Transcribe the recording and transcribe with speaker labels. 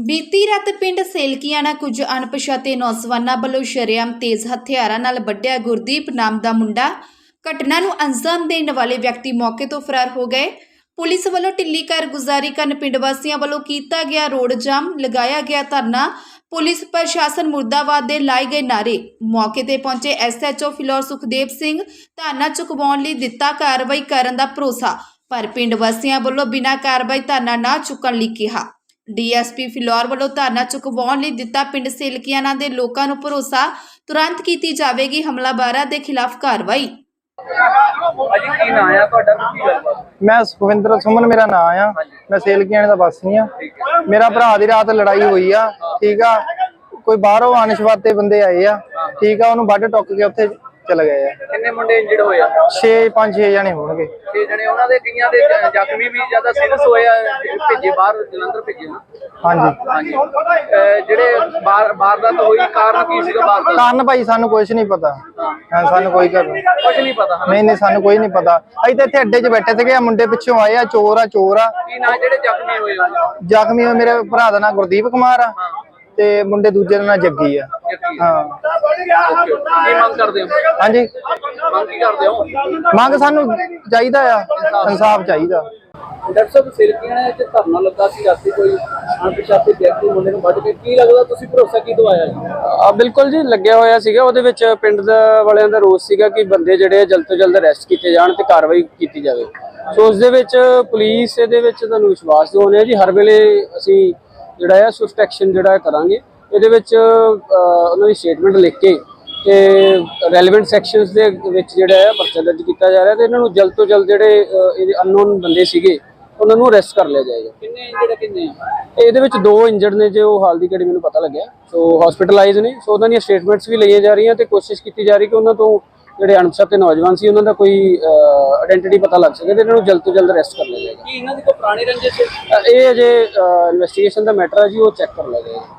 Speaker 1: ਬੀਤੀ ਰਾਤ ਪਿੰਡ ਸੇਲਕੀਆਣਾ ਕੁਝ ਅਣਪਛਾਤੇ ਨੌਜਵਾਨਾਂ ਵੱਲੋਂ ਸ਼ਰੇਆਮ ਤੇਜ਼ ਹਥਿਆਰਾਂ ਨਾਲ ਵੱਢਿਆ ਗੁਰਦੀਪ ਨਾਮ ਦਾ ਮੁੰਡਾ। ਘਟਨਾ ਨੂੰ ਅੰਜਾਮ ਦੇਣ ਵਾਲੇ ਵਿਅਕਤੀ ਮੌਕੇ ਤੋਂ ਫਰਾਰ ਹੋ ਗਏ। ਪੁਲਿਸ ਵੱਲੋਂ ਢਿੱਲੀ ਕਾਰਗੁਜ਼ਾਰੀ ਕਾਰਨ ਪਿੰਡ ਵਾਸੀਆਂ ਵੱਲੋਂ ਕੀਤਾ ਗਿਆ ਰੋਡ ਜਾਮ, ਲਗਾਇਆ ਗਿਆ ਧਰਨਾ, ਪੁਲਿਸ ਪ੍ਰਸ਼ਾਸਨ ਮੁਰਦਾਬਾਦ ਦੇ ਲਾਏ ਗਏ ਨਾਰੇ। ਮੌਕੇ ਤੇ ਪਹੁੰਚੇ ਐਸਐਚਓ ਫਿਲੌਰ ਸੁਖਦੇਵ ਸਿੰਘ ਧਰਨਾ ਚੁਕਵਾਉਣ ਲਈ ਦਿੱਤਾ ਕਾਰਵਾਈ ਕਰਨ ਦਾ ਭਰੋਸਾ, ਪਰ ਪਿੰਡ ਵਾਸੀਆਂ ਵੱਲੋਂ ਬਿਨਾਂ ਕਾਰਵਾਈ ਧਰਨਾ ਨਾ ਚੁੱਕਣ ਲਈ ਕਿਹਾ। ਡੀਐਸਪੀ ਫਿਲੌਰ ਵੱਲੋਂ ਧਰਨਾ ਚੁਕਵਾਉਣ ਲਈ ਦਿੱਤਾ ਪਿੰਡ ਸੇਲਕੀਆਣਾ ਦੇ ਲੋਕਾਂ ਨੂੰ ਭਰੋਸਾ, ਤੁਰੰਤ ਕੀਤੀ ਜਾਵੇਗੀ ਹਮਲਾਵਰਾਂ ਦੇ ਖਿਲਾਫ ਕਾਰਵਾਈ।
Speaker 2: मैं सुखविंदर सुमन मेरा नाम आ। मैं सेलकीआणे दा वासी आ। मेरा भरा दी रात लड़ाई हुई आ, ठीक आ। कोई बाहरों अनशवाते बंदे आए आ, ठीक आ। उन्होंने वड्ढ टुक के उत्थे चले गए आ।
Speaker 3: किन्ने मुंडे इंजर्ड होए आ?
Speaker 2: 5-6 जने होणगे।
Speaker 3: 6 जने उन्हां दे कईयां दे ਜ਼ਖਮੀ ਵੀ ਜ਼ਿਆਦਾ ਸੀਰੀਅਸ ਹੋਏ ਆ, ਭੇਜੇ ਬਾਹਰ ਜਲੰਧਰ ਭੇਜੇ ਨਾ।
Speaker 2: ਹਾਂਜੀ
Speaker 3: ਜਿਹੜੇ ਵਾਰਦਾਤ ਹੋਈ ਕਾਰਨ ਕੀ ਸੀਗਾ? ਵਾਰਦਾਤ
Speaker 2: ਕਾਰਨ ਭਾਈ ਸਾਨੂੰ ਕੁਝ ਨਹੀਂ ਪਤਾ। ਹਾਂ ਸਾਨੂੰ ਕੋਈ
Speaker 3: ਕੁਝ ਨਹੀਂ ਪਤਾ।
Speaker 2: ਨਹੀਂ ਸਾਨੂੰ ਕੋਈ ਨਹੀਂ ਪਤਾ। ਅਸੀਂ ਤਾਂ ਇੱਥੇ ਅੱਡੇ 'ਚ ਬੈਠੇ ਸੀਗੇ, ਮੁੰਡੇ ਪਿੱਛੋਂ ਆਏ ਆ, ਚੋਰ ਆ।
Speaker 3: ਕੀ ਨਾ ਜਿਹੜੇ ਜ਼ਖਮੀ ਹੋਏ ਆ?
Speaker 2: ਜ਼ਖਮੀ ਹੋਏ ਮੇਰੇ ਭਰਾ ਦਾ ਨਾਂ ਗੁਰਦੀਪ ਕੁਮਾਰ ਆ ਤੇ ਮੁੰਡੇ ਦੂਜੇ ਦਾ ਨਾਂ ਜੱਗੀ ਆ। ਹਾਂ
Speaker 3: ਕੀ ਮੰਗ ਕਰਦੇ ਹੋ?
Speaker 2: ਹਾਂਜੀ
Speaker 3: ਮੰਗ ਕੀ ਕਰਦੇ ਹੋ?
Speaker 2: ਮੰਗ ਸਾਨੂੰ ਚਾਹੀਦਾ ਆ, ਇਨਸਾਫ ਚਾਹੀਦਾ।
Speaker 3: ਡਾਕਟਰ ਸਾਹਿਬ ਸੇਲਕੀਆਣੇ ਚ ਧਰਨਾ ਲੱਗਾ ਸੀ ਰਾਤੀ, ਕੋਈ ਅਣਪਛਾਤੇ ਵਿਅਕਤੀ ਮੁੰਡੇ ਨੂੰ ਵੱਢ ਕੇ, ਕੀ ਲੱਗਦਾ ਤੁਸੀਂ ਭਰੋਸਾ ਕੀ ਦਵਾਇਆ ਜੀ?
Speaker 4: ਬਿਲਕੁਲ ਜੀ, ਲੱਗਿਆ ਹੋਇਆ ਸੀਗਾ। ਉਹਦੇ ਵਿੱਚ ਪਿੰਡ ਵਾਲਿਆਂ ਦਾ ਰੋਸ ਸੀਗਾ ਕਿ ਬੰਦੇ ਜਿਹੜੇ ਜਲਦ ਤੋਂ ਜਲਦ ਅਰੈਸਟ ਕੀਤੇ ਜਾਣ ਤੇ ਕਾਰਵਾਈ ਕੀਤੀ ਜਾਵੇ। ਸੋ ਉਸ ਦੇ ਵਿੱਚ ਪੁਲਿਸ ਇਹਦੇ ਵਿੱਚ ਤੁਹਾਨੂੰ ਵਿਸ਼ਵਾਸ ਦਿਵਾਉਂਦੇ ਆ ਜੀ, ਹਰ ਵੇਲੇ ਅਸੀਂ ਜਿਹੜਾ ਆ ਸਵਿਫਟ ਐਕਸ਼ਨ ਜਿਹੜਾ ਕਰਾਂਗੇ। ਇਹਦੇ ਵਿੱਚ ਉਹਨਾਂ ਦੀ ਸਟੇਟਮੈਂਟ ਲਿਖ ਕੇ ਤੇ ਰੈਲੇਵੈਂਟ ਸੈਕਸ਼ਨਸ ਦੇ ਵਿੱਚ ਜਿਹੜਾ ਆ ਪਰਚਾ ਦਰਜ ਕੀਤਾ ਜਾ ਰਿਹਾ ਤੇ ਇਹਨਾਂ ਨੂੰ ਜਲਦ ਤੋਂ ਜਲਦ ਜਿਹੜੇ ਇਹਦੇ ਅਨਨੋਨ ਬੰਦੇ ਸੀਗੇ ਉਹਨਾਂ ਨੂੰ ਅਰੈਸਟ ਕਰ ਲਿਆ ਜਾਏਗਾ।
Speaker 3: ਕਿੰਨੇ ਇੰਜਰਡ ਕਿੰਨੇ?
Speaker 4: ਇਹਦੇ ਵਿੱਚ 2 ਇੰਜਰਡ ਨੇ ਜੋ ਹਾਲ ਦੀ ਘੜੀ ਮੈਨੂੰ ਪਤਾ ਲੱਗਿਆ, ਸੋ ਹਸਪੀਟਲਾਈਜ਼ ਨੇ। ਸੋ ਉਹਨਾਂ ਦੀਆਂ ਸਟੇਟਮੈਂਟਸ ਵੀ ਲਈਆਂ ਜਾ ਰਹੀਆਂ ਤੇ ਕੋਸ਼ਿਸ਼ ਕੀਤੀ ਜਾ ਰਹੀ ਕਿ ਉਹਨਾਂ ਤੋਂ ਜਿਹੜੇ ਅਣਪਛਾਤੇ ਨੌਜਵਾਨ ਸੀ ਉਹਨਾਂ ਦਾ ਕੋਈ ਆਇਡੈਂਟੀਟੀ ਪਤਾ ਲੱਗ ਸਕੇ ਤੇ ਇਹਨਾਂ ਨੂੰ ਜਲਦ ਤੋਂ ਜਲਦ ਅਰੈਸਟ ਕਰ ਲਿਆ ਜਾਏਗਾ।
Speaker 3: ਕੀ ਇਹਨਾਂ ਦੀ ਕੋਈ ਪੁਰਾਣੀ ਰੰਜਿਸ਼?
Speaker 4: ਇਹ ਅਜੇ ਇਨਵੈਸਟੀਗੇਸ਼ਨ ਦਾ ਮੈਟਰ ਹੈ ਜੀ, ਉਹ ਚੈੱਕ ਕਰ ਲਿਆ ਜਾਏਗਾ।